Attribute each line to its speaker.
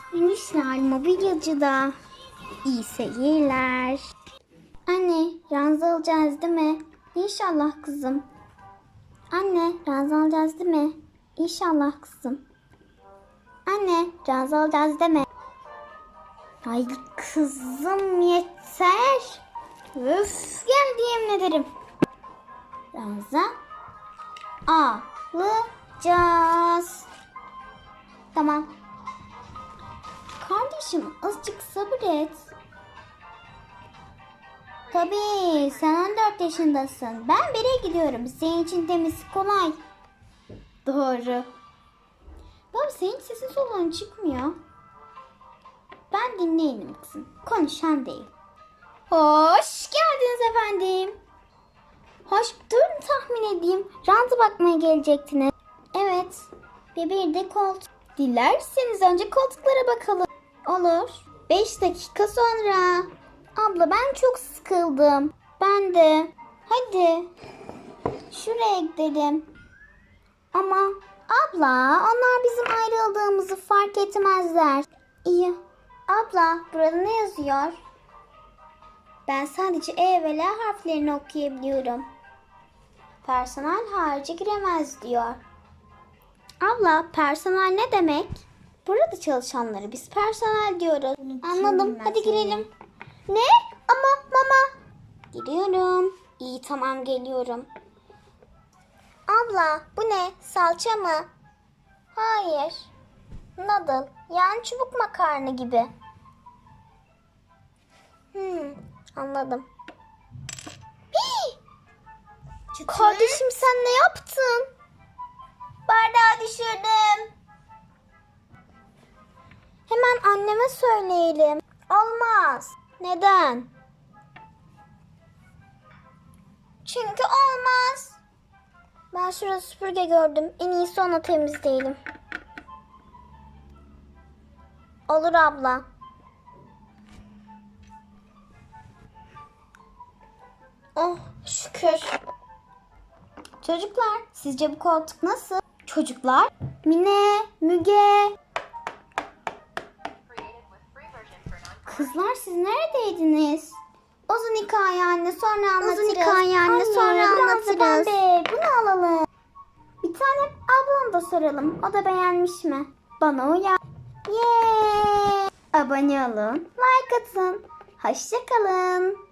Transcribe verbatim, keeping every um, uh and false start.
Speaker 1: Minişler mobilyacıda. İyi seyirler. Anne, ranza alacağız değil mi? İnşallah kızım. Anne, ranza alacağız değil mi? İnşallah kızım. Anne, ranza alacağız değil mi? Ay kızım yeter. Öf, geldi yemin ederim. Ranza alacağız. Tamam. Kardeşim azıcık sabır et. Tabii sen on dört yaşındasın. Ben bire gidiyorum. Senin için demesi kolay. Doğru. Baba senin sesin soluğun çıkmıyor. Ben dinleyelim kızım. Konuşan değil. Hoş geldiniz efendim. Hoş, durun tahmin edeyim. Rantı bakmaya gelecektiniz. Evet. Ve bir de koltuk. Dilerseniz önce koltuklara bakalım. Olur. Beş dakika sonra. Abla ben çok sıkıldım. Ben de. Hadi. Şuraya gidelim. Ama abla onlar bizim ayrıldığımızı fark etmezler. İyi. Abla burada ne yazıyor? Ben sadece E ve L harflerini okuyabiliyorum. Personel harici giremez diyor. Abla personel ne demek? Burada çalışanları biz personel diyoruz. Anladım. Hadi girelim. Ne? Ama mama. Giriyorum. İyi tamam geliyorum. Abla bu ne? Salça mı? Hayır. Noodle. Yani çubuk makarna gibi. Hmm, anladım. Hii! Kardeşim sen ne yaptın? Bardağı düşürdüm. Hemen anneme söyleyelim. Olmaz. Neden? Çünkü olmaz. Ben şurada süpürge gördüm. En iyisi onu temizleyelim. Olur abla. Oh şükür. Çocuklar sizce bu koltuk nasıl? Çocuklar. Mine, Müge. Kızlar siz neredeydiniz? Uzun hikaye anne sonra anlatırız. Uzun hikaye anne sonra anlatırız. Be, bunu alalım. Bir tane ablam da soralım. O da beğenmiş mi? Bana uyar. Yeee. Abone olun. Like atın. Hoşça kalın.